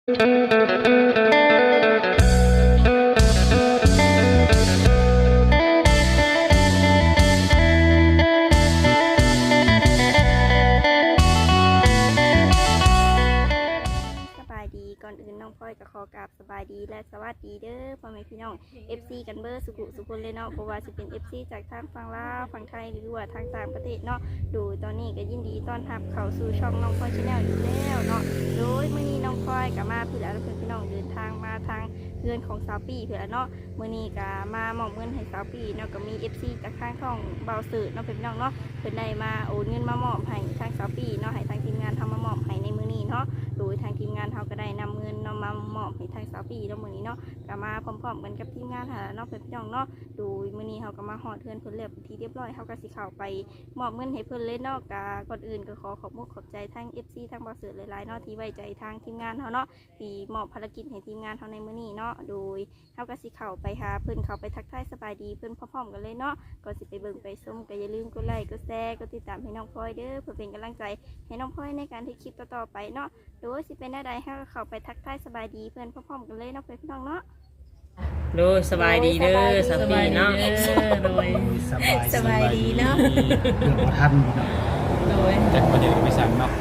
ดีก่อนอื่นน้องพลอยก็ขอกราบสบายดีและสวัสดีเด้อพ่อแม่พี่น้อง FC กันเบอร์สุขุสุคนเลยเนาะเพราะว่าจะเป็น FC จากทางฝั่งลาวฝั่งไทยหรือว่าทางต่างประเทศเนาะดูตอนนี้ก็ยินดีต้อนรับเข้าสู่ช่องน้องพลอยชาแนลอยู่แล้วเนาะโดยมื้อนี้น้องพลอยก็มาเพื่อเพื่อนพี่น้องเดินทางมาทางเพื่อนของสาวปีเพื่อเนาะมื้อนี้ก็มามอบเงินให้สาวปีเนาะก็มี FC จากทางช่องเบาสื่อเนาะพี่น้องเนาะเพิ่นได้มาโอนเงินมามอบให้ทางสาวปีเนาะให้ทางทีมงานทำมามอบให้ในมื้อนี้เนาะโดยทางทีมงานเขาก็ได้นำเงินนำมามอบให้ทางสาวปีเนาะมื้อนี้เนาะก็มาพร้อมๆกันกับทีมงานหาเนาะเพื่อนพี่น้องเนาะโดยมื้อนี้เขาก็มาฮอดเทือนเพิ่นเรียบที่เรียบร้อยเขาก็สิเข้าไปมอบเงินให้เพิ่นเลยเนาะก็ก่อนอื่นก็ขอขอบคุณขอบใจทาง FC ทางบริษัทหลายๆเนาะที่ไว้ใจทางทีมงานเขาเนาะที่มอบภารกิจให้ทีมงานเขาในมื้อนี้เนาะโดยเขาก็สิเข้าไปหาเพิ่นเข้าไปทักทายสบายดีเพิ่นพร้อมๆกันเลยเนาะก่อนสิไปเบิ่งไปชมก็อย่าลืมกดไลค์กดแชร์กดติดตามให้น้องพลอยเด้อเพื่อเป็นกำลังใจให้น้องพลอยในการที่คลิปต่อๆไปเนาะโดยสิเป็นได้เขาก็เข้าไปทักทายสบายดีเพิ่นพร้อมๆกันเลยเนาะเพื่อนพี่น้องเนาะโดยสบายดีเด้อสบายเนาะโดยสบายดีเนาะเรื่องบ่ทันพี่น้องโดยจักประเดี๋ยวไปสั่งเนาะ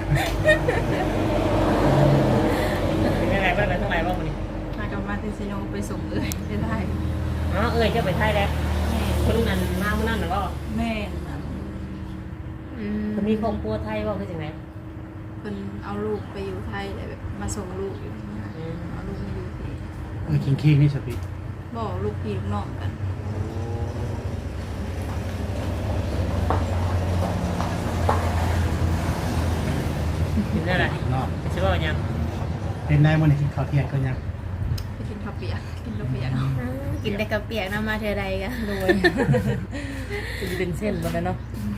เป็นยังไงบ้างกันทั้งหลายบ้างวันนี้มากลับมาที่ซิโนไปส่งเอ่ยไปได้อ๋อจะไปไทยแล้วคนนั้นมาเมื่อนั้นหรือเปล่าแม่นะคนมีครอบครัวไทยว่าคือจังไงเพิ่นเอาลูกไปอยู่ไทยแล้วแบบมาส่งลูกอยู่ที่นี่เอาลูกมาอยู่ที่คิงนี่สปิบอกลูกพี่ลูกน้องกันเป็นได้ไรเนาะใช่ป่ะยังเป็นได้มื้อนี้กินข้าวเที่ยงก็ยังไปกินข้าวเปียกกินลูกเปียกกินแต่กระเปียกน้ำมาเธอใดกันโดยจะเป็นเส้นบนนั้นเนาะ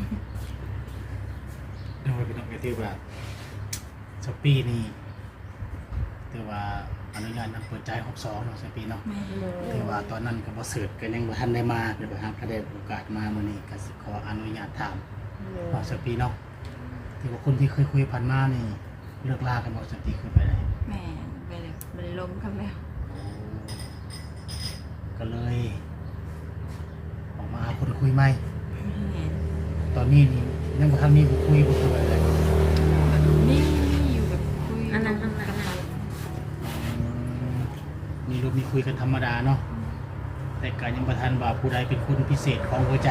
เดี๋ยวพี่น้องก็ถือว่าสปีนี่แต่ว่าอนุญาตนำเปิดใจ62เนาะสปีเนาะแม่แต่ว่าตอนนั้นก็บ่เสิร์ชก็ยังบ่ทันได้มาเดี๋ยวไปหาก็ได้โอกาสมามื้อนี้ก็สิขออนุญาตถามว่าสปีเนาะที่ว่าคนที่เคยคุยผ่านมานี่เลิกลากันบ่สปีคือไปได้แม่ไปเลยไปล้มกันแล้วก็เลยออกมาหาคนคุยใหม่แม่ตอนนี้นี่ยังบ่ทันมีผู้คุยบ่คืออะไรนี่อยู่แบบคุยอันนั้นกันไปมีรูปมีคุยกันธรรมดาเนาะแต่การยังประทันว่าผู้ใดเป็นคนพิเศษของหัวใจ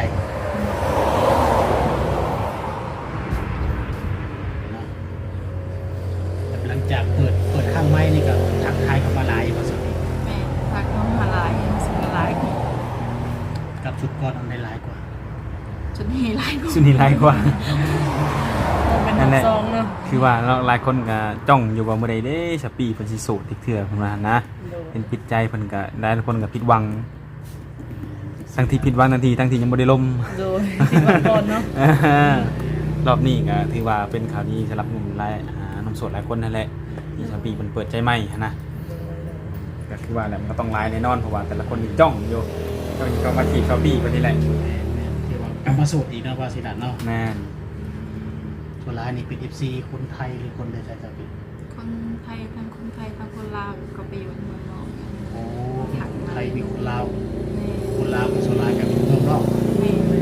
เนาะแต่หลังจากเปิดข้างไม้นี่ก็ทักทายเข้ามาหลายพอสมควรแม่พักน้องมาลายสุดลายกับชุดก่อนอันได้หลายกว่าจนนี่ลายกูสุนีหลายกว่าเป็นน้ำซองเนาะคือว่าเราหลายคนก็จ้องอยู่ว่าเมื่อใดเด้สปีเพิ่นสิโสดอีกเทื่อเพิ่นว่านะเป็นปิดใจเพิ่นก็ได้ทุกคนก็ผิดหวังทั้งที่ผิดหวังทั้งที่ยังบ่ได้ล่มโดยสิบวันก่อนเนาะรอบนี้ก็ถือว่าเป็นข่าวดีสำหรับหนุ่มหลายหนุ่มโสดหลายคนนั่นแหละที่สปีเพิ่นเปิดใจใหม่นะก็คือว่าแหละมันก็ต้องหลายแน่นอนเพราะว่าแต่ละคนนี่จ้องอยู่ก็มาจีบสปีเพิ่นนี่แหละที่ว่ากลับมาโสดอีกนะว่าสิดันเนาะแม่นส่วนหลายนี่เป็น FC คนไทยหรือคนใดใจจะเป็นคนไทยทั้งคนไทยทั้งคนลาวก็ไปอยู่เมืองนอกโอ้มีคนไทยมีคนลาวแม่คนลาวเป็นส่วนหลายกับเป็นเมืองนอกแม่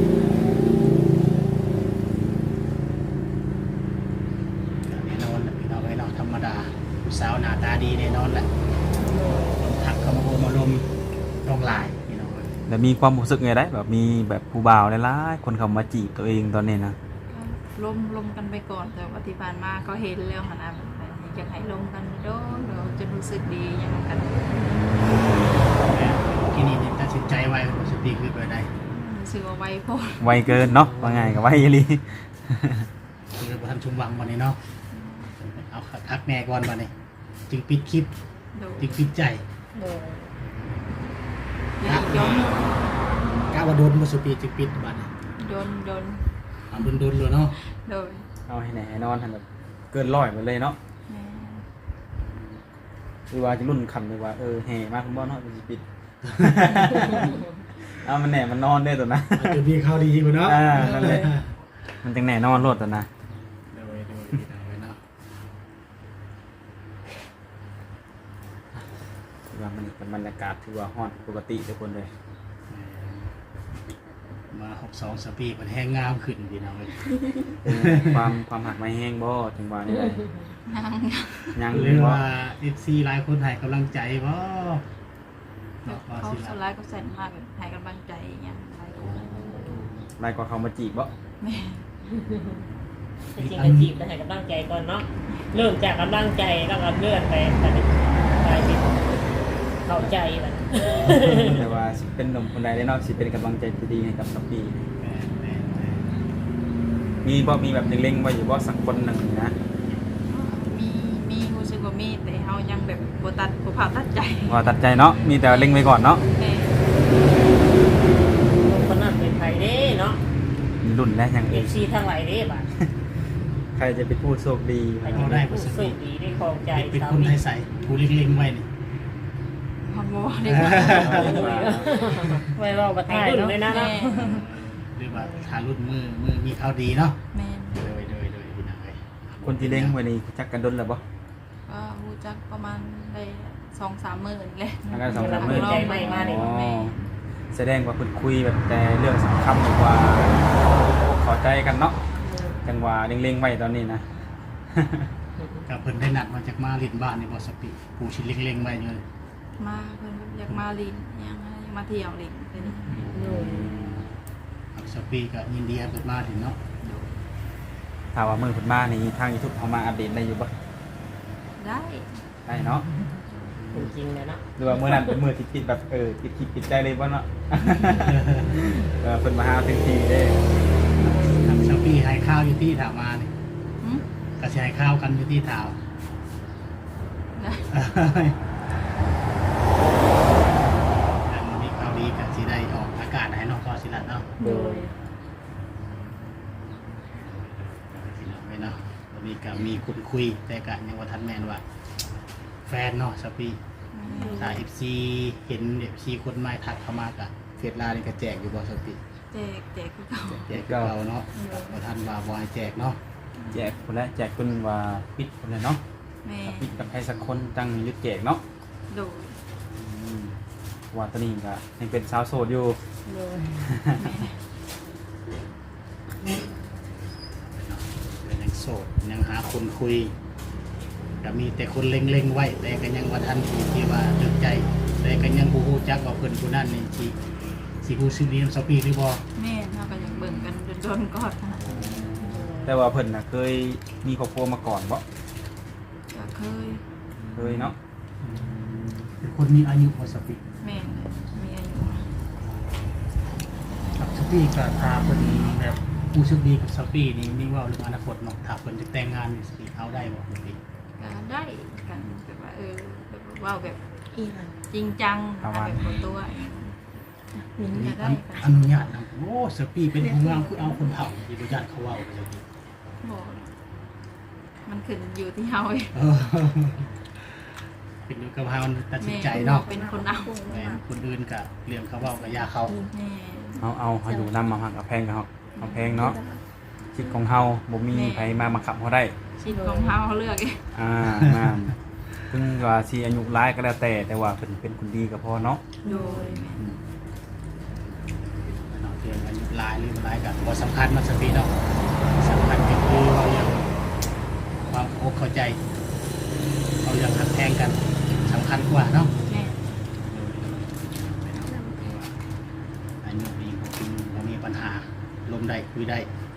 แน่นอนแหละพี่น้องไว้เนาะธรรมดาผู้สาวหน้าตาดีแน่นอนแหละคนทักเข้ามาโอมาลมต้องหลายพี่น้องแล้วมีความรู้สึกไงได้แบบมีแบบผู้บ่าวหลายๆคนเข้ามาจีบตัวเองตอนนี้นะล้มกันไปก่อนแต่ว่าที่ผ่านมาก็เห็นแล้วค่ะนะอยากให้ล้มกันโดนเราจะรู้สึกดียังกันที่นี่ตัดสินใจไว้ว่าสปีคือไปได้รู้สึกว่าไวโพดไวเกินเนาะว่าไงกับไวอีหลีคือประทันชุมวังวันนี้เนาะเอาทักแม่ก่อนวันนี้จึงปิดคลิปโดนจึงปิดใจโดยแล้วอีกย้อนกล้าว่าโดนมาสปีจึงปิดบัดนี้โดนเอาโดนเลยเนาะโดนเอาให้ไหนให้นอนทันแบบเกินร้อยไปเลยเนาะแม่คือว่าจะรุ่นคำเลยว่าแห่มากคุณบ่เนาะมันสิปิด เอามันแหน่มันนอนได้ตัวนะอาจจะมีข่าวดีกว่าเนาะนั่นแหละมันจังแหน่นอนโลดตัวนะโดยเนาะว่ามันเป็นบรรยากาศที่ว่าฮ้อนปกติทุกคนเลยมา62สปีมันแห้งงามขึ้นพี่น้องเอ้ยความหักไม่แห้งบ่จังหวะนี้เลยนั่งยังหเลรืยอว่าว่า FC หลายคนให้กำลังใจบ่เนาะว่าเขาสิสล่ะไลด์ก็แสนมากให้กำลังใจอย่างเงี้ยหลายคนลายกว่าเขามาจีบบ่แม่จริงๆก็จีบแต่ให้กำลังใจก่อนเนาะเริ่มจากกำลังใจแล้วก็เลื่อนไปกลายเป็นเข้าใจแบบแต่ว่าสิเป็นหนุ่มคนใดได้เนาะสิเป็นกำลังใจที่ดีให้กับสปีแม่นมีแบบเล็งๆไว้อยู่บ่สักคนหนึ่งนะมีรู้สึกว่ามีแต่เฮายังแบบบ่ผ่าตัดใจว่าตัดใจเนาะมีแต่เล็งไว้ก่อนเนาะแม่คนนั้นเป็นไทยเด้เนาะมีรุ่นและยังเออีกฟซีทางไหลเด้บัดใครจะเป็นผู้โชคดีใครจะเป็นผู้โชคดีได้ครองใจๆเป็นสาคนมีให้ใส่ผู้เล็งๆไว้นี่ฮอนบ่ได้ว่าไว้ว่าบัดไทยรุ่นเลยนะแม่หรือว่าถ้ารุ่นมือมีข่าวดีเนาะแม่โดยพี่น้องเอ้ยคนที่เล็งไว้นี่จักกันดนแล้วบ่ก็รู้จักประมาณได้ 2-3 มื้อนี่แหละทางการ2-3มื้อใจใหม่มาเนี่ยอ๋อแสดงว่าเพิ่นคุยแบบแต่เรื่องสำคัญดีกว่าเข้าใจกันเนาะจังหวะเล็งๆไว้ตอนนี้นะกับเพิ่นได้นัดมาจากมาลินบ้านนี่บ่สปีผู้ชิเล็งๆไว้อยู่เลยมาเพิ่นอยากมาลินอยากมาเที่ยวลินไปนี่สปีก็ยินดีให้เพิ่นมาถึงเนาะถ้าว่ามือเพิ่นมานี่ทาง YouTube เอามาอัปเดตได้อยู่บ่ได้ได้เนาะจริงๆเลยเนาะหรือว่ามื้อนั้นเป็นมื้อที่คิดแบบคิดคิดติดใจเลยบ่เนาะ เพิ่นมาหาถึงที่เด้ทางสปีให้ข้าวอยู่ที่ถามมานี่หึก็สิให้ข้าวกันอยู่ที่ถาวได้อันนี้ข่าวดีก็สิได้ออกอากาศให้น้องก็สิลัดเนาะโดยพี่น้องไว้เนาะวันนี้ก็มีคุณคุยแต่ก็ยังว่าทันแม่นว่า แฟนเนาะสปีถ้า FC เห็น FC คนใหม่ทักเข้ามาก็เฟซลานี่ก็แจกอยู่บ่สปีแจกคือเก่าแจกคือเราเนาะบ่ทันว่าบ่ให้แจกเนาะแจกคนละแจกคนว่าปิดคนละเนาะแม่ถ้าปิดกับใครสักคนจังยึดแจกเนาะโดยว่าตอนนี้ก็ยังเป็นสาวโสดอยู่โดยเป็นยังโสดยังหาคนคุยก็มีแต่คนเล็งๆไว้แต่ก็ยังว่าทันที่ว่าตึกใจ แต่ก็ยังบ่ฮู้จักว่าเพิ่นผู้นั้นนี่สิฮู้ชื่อดีนำสปีหรือบ่แม่เราก็อยากเบิ่งกันโดนๆก่อนนะแต่ว่าเพิ่นน่ะเคยมีครอบครัวมาก่อนบ่ก็เคยเคยเนาะเป็นคนมีอายุพอสปีแม่มีอายุครับสปีก็ถ้าเพิ่นแบบรู้สึกดีกับสปีนี่มีเว้าเรื่องอนาคตเนาะถ้าเพิ่นจะแต่งงานนี่สปีเอาได้บ่สปีก็ได้กันแบบว่าแบบว่าแบบอีหลังจริงจังแบบคนตัวเองมินจะได้อนุญาตนะโอ้สปีเป็นผู้งามคือเอาคนเฒ่าที่บ่ญาติเขาเว้าไปเลยบอกมันขึ้นอยู่ที่เฮาเองเออเป็นอยู่กับเฮาตัดสินใจเนาะเป็นคนเอาแม่นคนอื่นก็เรื่องเขาเว้าก็อย่าเขาแม่เอาอยู่นำมาหักกับแพงกับเอาแพงเนาะจิตของเฮาบ่มีไผมาบังคับเฮาได้ชิดของเฮาเลือกเองนั่นถึงว่าสิอายุหลายก็แล้วแต่ว่าเพิ่นเป็นคนดีก็พอเนาะโดยเนาะเรื่องอายุหลายหรือบ่หลายก็บ่สำคัญมันสปีเนาะสำคัญก็คือว่าเรื่องความเข้าใจเอาเรื่องหักแพงกันสำคัญกว่าเนาะแม่อายุดีบ่มีปัญหาลมได้คุยได้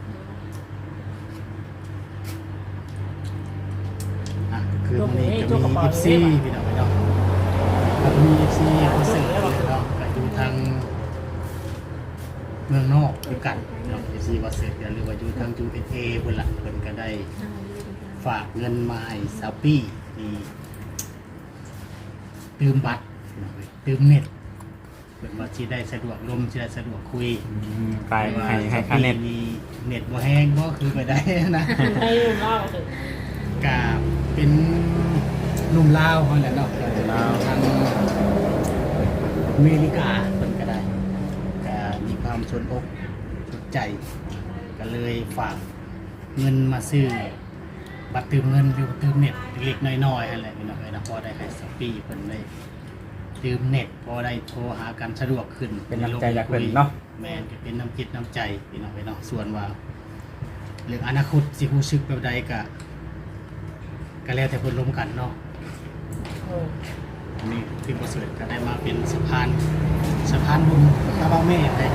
อ่ะคือวันนี้ก็มี FC พี่น้องเนาะก็มี FC คนเสิร์ฟเนาะก็อยู่ทางเมืองนอกด้วยกันเนาะ FC ว่าเสิร์ฟกันหรือว่าอยู่ทาง USA เพิ่นล่ะเพิ่นก็ได้ฝากเงินมาให้ซาปี้ที่ตืมบัตรพี่น้องเอ้ยตืมเน็ตเพิ่นว่าสิได้สะดวกลมสิได้สะดวกคุยไปให้ค่าเน็ตมีเน็ตบ่แห้งบ่คือไปได้นะให้เล่าถึงกาเป็นหนุ่มลาวเขาแหละเนาะลาวทางอเมริกาเพิ่นก็ได้ก็มีความสนอกสนใจก็เลยฝากเงินมาซื้อบัตรเติมเงินหรือเติมเน็ตเล็กๆน้อยๆนั่นแหละพี่น้องเอ้ยนะพอได้ให้สปีเพิ่นได้ดื่มเน็ตพอได้โทรหากันสะดวกขึ้นเป็นน้ำใจจากเพิ่นเนาะแม่นก็เป็นน้ำจิตน้ำใจพี่น้องไปเนาะส่วนว่าเรื่องอนาคตสิรู้สึกแบบใดก็แล้วแต่เพิ่นร่วมกันเนาะอันนี้พี่ประเสริฐก็ได้มาเป็นสะพานบุญพระเบ้าแม่ได้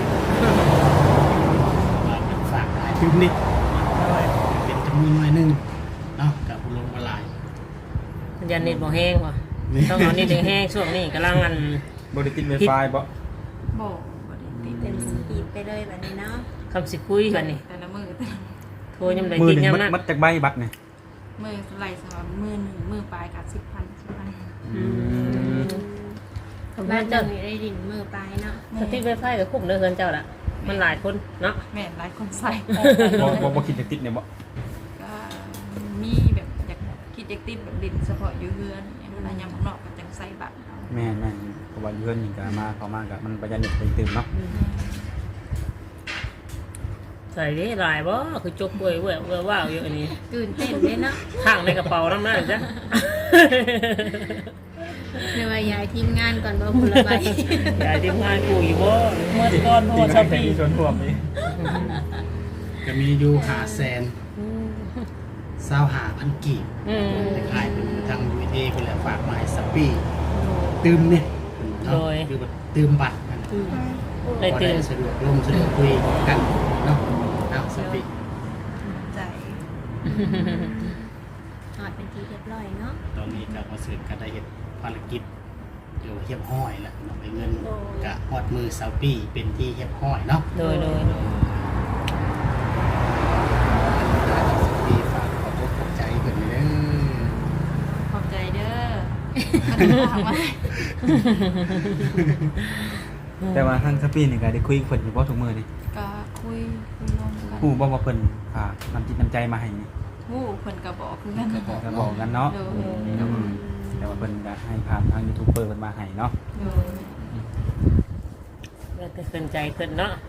มาเป็นฝากให้พิมพ์นิดเป็นจำนวนหน่อยหนึงเนาะกับผู้ลงมาหลายยันเน็ตบ่แห้งว่ะต้องเอาเน็ตแห้งช่วงนี้กำลังอันบ่ได้ติด Wi-Fi บ่บ่ได้ติดเป็นสปีดไปเลยแบบนี้เนาะคำสิคุยกันนี่แต่ละมือแต่ละโทรยังได้มือกินหนึงยามมัดนั้นมัดจากใบบัตรนี่มือไหลสำหรับมือหนึ่งมือปลายกับ10,000 คำบ้าว่าน เจ้าเจ้ามีได้ดินมือปลายเนาะสติไวไฟกับคุ้มเด้อเฮือนเจ้าล่ะมันหลายคนเนาะแม่นหลายคนใส่บ่คิดจะติดเนี่ยบ่ก็มีแบบอยากคิดอยากติดแบบดินเฉพาะอยู่เฮือนอย่างนั้นยามข้างนอกก็จังใส่บัตรเอาแม่นเพราะว่าอยู่เพิ่นนี่ก็มาเข้ามาก็มันประหยัดเน็ตไปตื่มเนาะใส่ได้หลายบ่คือจกเว้ยว้าวอยู่อันนี้ตื่นเต้นเลยเนาะข้างในกระเป๋านำนั่นจ้ะหรือว่ายายทีมงานก่อนบ่คนละใบยายทีมงานกูอยู่บ่เมื่อก่อนโทรช้อปปี้ชวนพวกนี้ก็มีอยู่500,000 กีบ คล้ายๆเป็นทาง USA เพิ่นแหละฝากมาให้สปีตื่มเนี่ยเนาะคือว่าตื่มบัตรกันได้พอตื่นสะดวกลมสะดวกคุยกันเนาะเอาสปีใจถอดเป็นทีเรียบร้อยเนาะตอนนี้ก็มาสืบกันได้เฮ็ดภารกิจอยู่เฮียบห้อยแล้วเนาะไปเงินกะฮอดมือสปีเป็นที่เฮียบห้อยเนาะโดยสปีฝากขอบอกขอบใจเพิ่นเด้อขอบใจเด้อมันถามว่าแต่ว่าทางสปีนี่ก็ได้คุยกับเพิ่นอยู่บ่ทุกมื้อนี่ก็คุยลงกันฮู้บ่ว่าเพิ่นฝากน้ำจิตน้ำใจมาให้นี่ฮู้เพิ่นก็บอกคือกันก็บอกกันเนาะโดยแต่ว่าเพิ่นก็ให้ผ่านทางยูทูบเบอร์เพิ่นมาให้เนาะโดยแล้วก็ขึ้นใจขึ้นเนาะ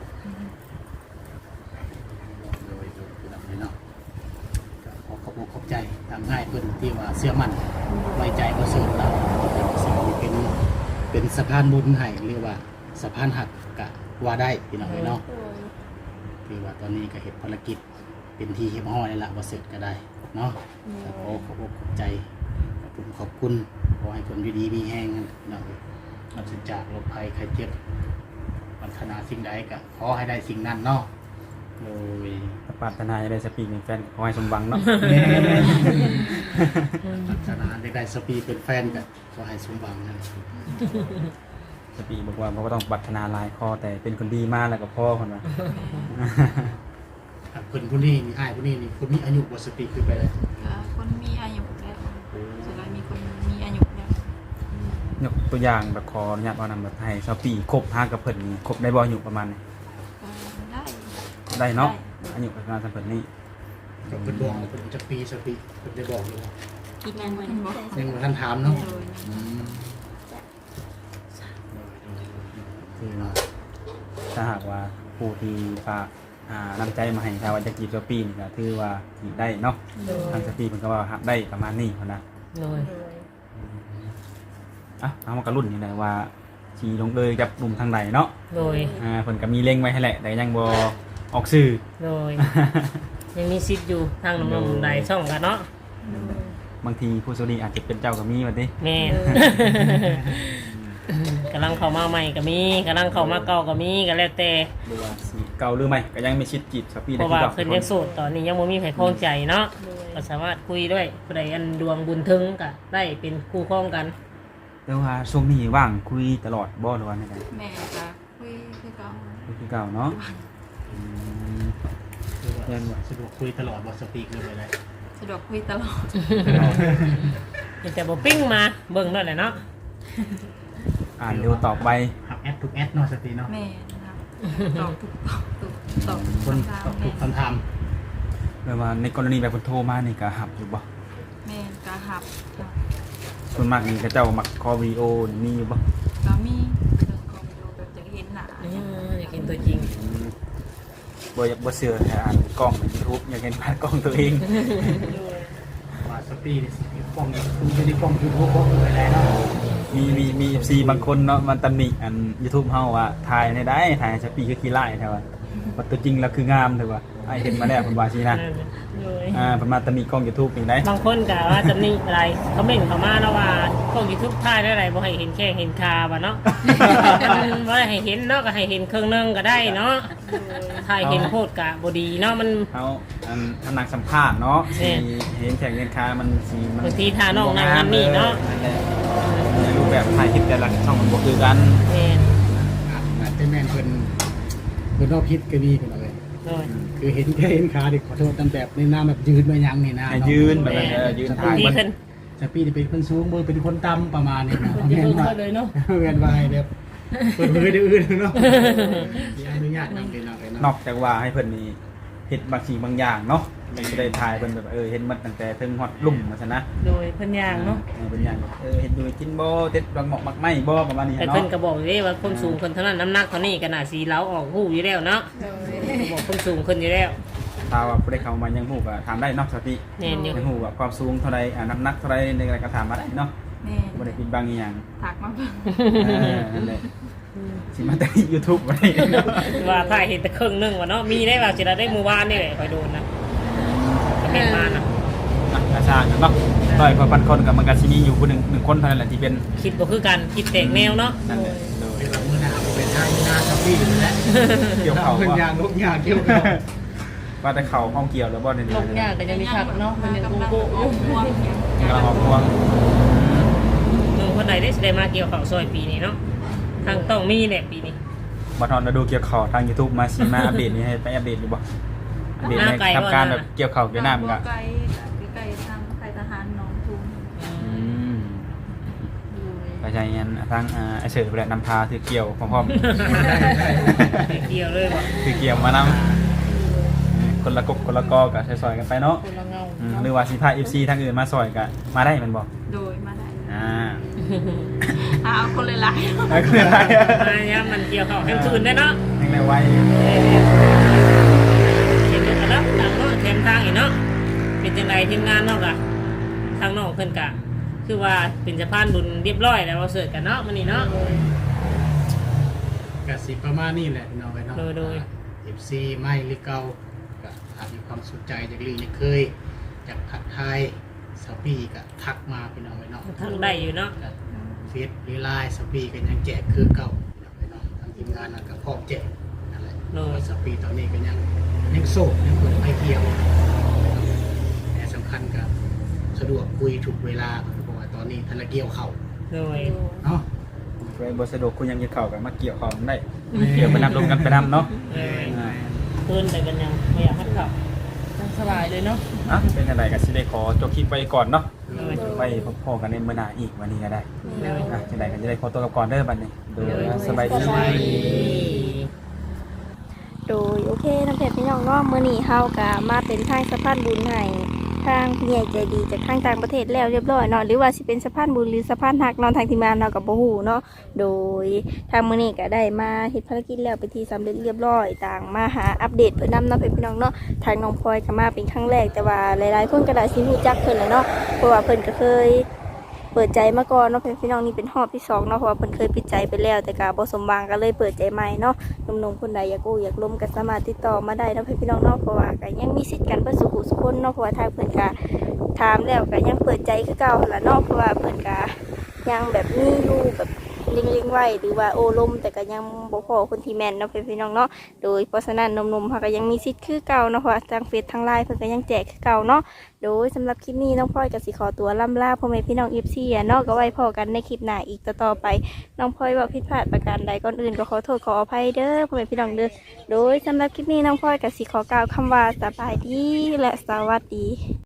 โดยเนาะก็ขอขอบคุณขอบใจทางง่ายเพิ่นที่ว่าเชื่อมั่นไว้ใจบ่สื่อเราสิ่งที่เป็นสะพานบุญให้หรือว่าสะพานหักก็ว่าได้พี่น้องเนาะ ที่ว่าตอนนี้ก็เห็นภารกิจเป็นที่เฮียบห้อยแล้วล่ะว่าเสร็จก็ได้เนาะก็ขอขอบใจขอบคุณขอให้ผลอยู่ดีมีแห้งกันเนาะปราศจากโรคภัยไข้เจ็บปรารถนาสิ่งใดก็ขอให้ได้สิ่งนั้นเนาะโดยถ้าปรารถนาจะได้สปีกเป็นแฟนขอให้สมหวังเนาะปรารถนาได้สปีเป็นแฟนก็ขอให้สมหวังนั่นสปีบอกว่าบ่ต้องปรารถนาหลายข้อแต่เป็นคนดีมากแล้วก็พ่อคนว่าคนผู้นี้นี่อ้ายผู้นี้นี่คนมีอายุบ่สปีคือไปเลยก็คนมีอายุแล้วสุดท้ายมีคนมีอายุแล้วยกตัวอย่างแบบขออนุญาตเอานำแบบให้สปีครบ5กับเพิ่นนี่ครบได้บ่อายุประมาณนี้ก็ได้ได้เนาะอายุประมาณสักเพิ่นนี่ก็เพิ่นบอกว่าเพิ่นจะปีสปีเพิ่นได้บอกอยู่ว่ากินงานวันนี้ยังบ่ทันถามเนาะโดยคือเนาะถ้าหากว่าผู้ที่ฝากนำใจมาให้ชาววันจะจีบสปีนี่ก็ถือว่าจีบได้เนาะทางสปีเพิ่นก็ว่าหักได้ประมาณนี้พุ่นนะโดยเอามากระรุ่นนี่แหละว่าชีลงเลยกับหนุ่มทางไหนเนาะโดยเพิ่นก็มีเล็งไว้ให้แหละแต่ยังบ่ออกสื่อโดยยังมีซิดอยู่ทางน้องๆหลายช่องกันเนาะบางทีผู้โชคดีอาจจะเป็นเจ้าก็มีว่าติแม่น กำลังเข้ามาใหม่ก็มีกำลังเข้ามาเก่าก็มีก็แล้วแต่หรือว่าสิเก่าหรือไม่ก็ยังไม่ชิดจีบสปีเพได้ราะคือว่าเก่าเพิ่นยังโสดตอนนี้ยังบ่มีใครคล้องใจเนาะก็สามารถคุยด้วยผู้ใดอันดวงบุญถึงก็ได้เป็นคู่ครองกันแต่ว่าช่วงนี้ว่างคุยตลอดบ่หรือว่าไงแม่ก็คุยคือเก่าคือเก่าเนาะคือว่าสะดวกคุยตลอดบ่สปีคือไปเลยสะดวกคุยตลอดแต่บ่ปิ้งมาเบิ่งนั่นแหละเนาะอ่านเร็วตอบไปหักแอดทุกแอดเนาะสปีเนาะแม่นะครับตอบทุกตอบคนคำถามตอบทุแม่กคำถามแปลว่าในกรณีแบบเพิ่นโทรมานี่ก็หับอยู่บ่แม่ก็หับส่วนมากนี่ก็เจ้ามักคอวิดีโอนี่มีอยู่บ่ก็มีเรื่องของวิดีโอแบบจะเห็นหน้าอยากเห็นตัวจริงบ่เชื่อให้อ่านกล้องใน YouTube อยากเห็นผ่านกล้องตัวเองว่าสปีนี่สิกล้องคุณจะได้กล้องยูทูบก็ไปได้เนาะมี FC บางคนเนาะมันตำหนิอัน YouTube เฮาว่าถ่ายในได้ถ่ายสปีคือขี้ไล่แท้ว่าว่าตัวจริงแล้วคืองามแท้ว่าไอ้เห็นมาแล้วเพิ่นว่าสินะเลยประมาณตำหนิกล้อง YouTube นี่ได้บางคนก็ว่าจะนี่อะไรเขาเม่นเขามาแล้วว่าพวกยูทูบถ่ายได้อะไรบ่ให้เห็นแค่เห็นคาบ่เนาะ บ่ให้เห็นเนาะก็ให้เห็นเครื่องนึงก็ได้เนาะถ่ายเห็นโพดกะบ่ดีเนาะมันเฮาอันนักสัมภาษณ์เนาะแม่สิเห็นแข่งเงินค้ามันสิมันบางทีท่าน้องนั่งนั่นนี่เนาะในรูปแบบถ่ายคลิปแต่ละช่องมันบ่คือกันแม่นอาจจะแม่นเพิ่นรอบพิษก็มีเพิ่นเอาไว้โดยคือเห็นแค่เห็นขาเด็กขอโทษตามแบบในน้ำแบบยืนมายังนี่นะให้ยืนแบบนั้นยืนถ่ายดีมันขึ้นจะปีนี่เป็นคนสูงมือเป็นคนต่ำประมาณนี้นะจะแม่นเพิ่งว่าเขาเลยเนาะแม่นว่าให้แบบเปิดเผยเดี๋ยวอื่นเนาะมีอนุญาตนำเลยเนาะนอกจากว่าให้เพิ่นนี่เฮ็ดบางสิ่งบางอย่างเนาะมันจะได้ถ่ายเพิ่นแบบเห็นมันตั้งแต่ถึงฮอดลุ่มว่าซั่นนะโดยเพิ่นย่างเนาะเป็นอย่างเห็นดูกินบ่เด็ดบางหมอกมักไหม้บ่ประมาณนี้แต่เนาะเพิ่นก็บอกเลยว่าคนสูงคนเท่านั้นน้ำหนักเท่านี้ก็น่าสิเล้าออกหูอยู่แล้วเนาะบอกคนสูงคนอยู่แล้วถ้าว่าบ่ได้เข้ามายังฮู้ก็ถามได้เนาะสติแน่นอยู่ยังฮู้ว่าความสูงเท่าใดน้ำหนักเท่าใดในอะไรก็ถามมาได้เนาะแม่บ่ได้ปิดบังอีหยังถักมาเบิ่งนั่นแหละสิมาแต่ YouTube บ่ได้เนาะว่าถ่ายเห็นแต่ครึ่งนึงว่าเนาะมีได้ว่าสิได้หมู่บ้านนี่แหละคอยโดนนะก็เห็นมานะอาชาเนาะร้อยกว่าพันคนก็มันก็สิมีอยู่ผู้หนึงคนเท่านั้นแหละที่เป็นคิดบ่คือกันคิดแตกแนวเนาะนั่นแหละโดยเป็นแบบมือหนาวเป็นทางหน้ากับพี่อยู่แล้วเกี่ยวเขาเพิ่นว่ายางลูกยางเกี่ยวเขาว่าแต่เขาห้องเกี่ยวแล้วบ่ได้ลงยากก็ยังมีคักเนาะมันยังกำลังโก้ออกพวงอย่างกำลังออกพวงมึงคนใดได้สิได้มาเกี่ยวข้าวซอยปีนี้เนาะทางต้องมีแหละปีนี้บ่ทอนดูเกี่ยวเขาทาง YouTube มาสิมาอัปเดตนี่ให้ไปอัปเดตอยู่บ่อัปเดตในทำการแบบเกี่ยวเขาเกี่ยวน้ำก็ไกลไกลทางไกลทหารหน้องทุ่งไปใช้งานทางไอเสือไปแหละนำพาถือเกี่ยวพร้อมเกี่ยวเลยว่ะๆถือเกี่ยวมานำคนละกบคนละกอกับซอยๆกันไปเนาะคนละเงาหรือว่าสิพา FC ทางอื่นมาซอยกันมาได้มันบอกโดยมาได้เอาเอาคนหลายได้คืออะไรมาเนี่ยมันเกี่ยวข้าวให้คืนได้เนาะยังไงไว้เห็นกันแล้วต่างเนาะแถมทางอีกเนาะเป็นจังไดทีมงานเนาะกะทางน้องเพิ่นกะคือว่าเป็นสะพานบุญเรียบร้อยแล้วเราเสิร์ชกันเนาะมื้อนี้เนาะก็สิประมาณนี้แหละพี่น้องไว้เนาะโดย FC ไม่หรือเก่าก็อาจมีความสนใจจากลีเคยจากผัดไทยสปีก็ทักมาพี่น้องไว้เนาะทางได้อยู่เนาะเฟซหรือไลน์สปีกันยังแจกคือเก่าไปเนาะทางทีมงานก็พร้อมแจกนั่นแหละสปีตอนนี้ก็ยังโสดยังเปิดไฟเที่ยวแต่สำคัญก็สะดวกคุยถูกเวลาเพราะว่าตอนนี้ธนเกี่ยวเข่าโดยเนาะไปบสะดวกคุณยังจะเข่ากันมาเกี่ยวของได้เกี่ยวไปนำลงกันไปนำเนาะคืนแต่กันยังไม่อยากให้ขับสบายเลยเนาะเป็นอะไรกันสิได้ขอจบคลิปไปก่อนเนาะโดยไปพอกันในเมื่อหน้าอีกวันนี้ก็ได้โดยจะได้กันจะได้ขอตัวกับก่อนเด้อบัดนี้โดยสบายดีโดยโอเคน้ำเพชรพี่น้องเนาะมื้อนี้เฮาก็มาเป็นทางสะพานบุญให้ทางผู้ใหญ่ใจดีจากทางต่างประเทศแล้วเรียบร้อยเนาะหรือว่าสิเป็นสะพานบุญหรือสะพานหักเนาะทางทีมงานเราก็บ่ฮู้เนาะโดยทางมื้อนี้ก็ได้มาเฮ็ดภารกิจแล้วไปนที่สำเร็จเรียบร้อยต่างมาหาอัปเดตเพิ่นนำเนาะพี่น้องเนาะทางน้องพลอยก็มาเป็นครั้งแรกแต่ว่าหลายๆคนก็ได้สิรู้จักเพิ่นแหละเนาะเพราะว่าเพิ่นก็เคยเปิดใจมาก่อนเนาะพี่น้องนี่เป็นรอบที่2เนาะเพราะว่าเพิ่นเคยปิดใจไปแล้วแต่ก็บ่สมหวังก็เลยเปิดใจใหม่เนาะ หนุ่มๆคนใดอยากกู้อยากล้มก็สามารถติดต่อมาได้เนาะพี่น้องเนาะเพราะว่าก็ยังมีสิทธิ์กันเพื่อสุขุสุขคนเนาะเพราะว่าทางเพิ่นก็ถามแล้วก็ยังเปิดใจคือเก่าหั่นล่ะเนาะเพราะว่าเพิ่นก็ยังแบบมีอยู่แบบลิงๆไว้หรือว่าโอ้ลมแต่ก็ยังบ่พอคนที่แม่นเนาะพี่น้องเนาะโดยเพราะฉะนั้นหนุ่มๆเขาก็ยังมีสิทธิ์คือเก่าเนาะเพราะว่าทางเฟซทางไลน์เพิ่นก็ยังแจกคือเก่าเนาะโดยสำหรับคลิปนี้น้องพลอยก็สิขอตัวล่ำลาพ่อแม่พี่น้อง FC เนาะก็ไว้พอกันในคลิปหน้าอีกต่อไป น้องพลอยว่าผิดพลาดประการใดก่อนอื่นก็ขอโทษขออภัยเด้อพ่อแม่พี่น้องเด้อโดยสำหรับคลิปนี้น้องพลอยกับสิขอกล่าวคำว่าสบายดีและสวัสดี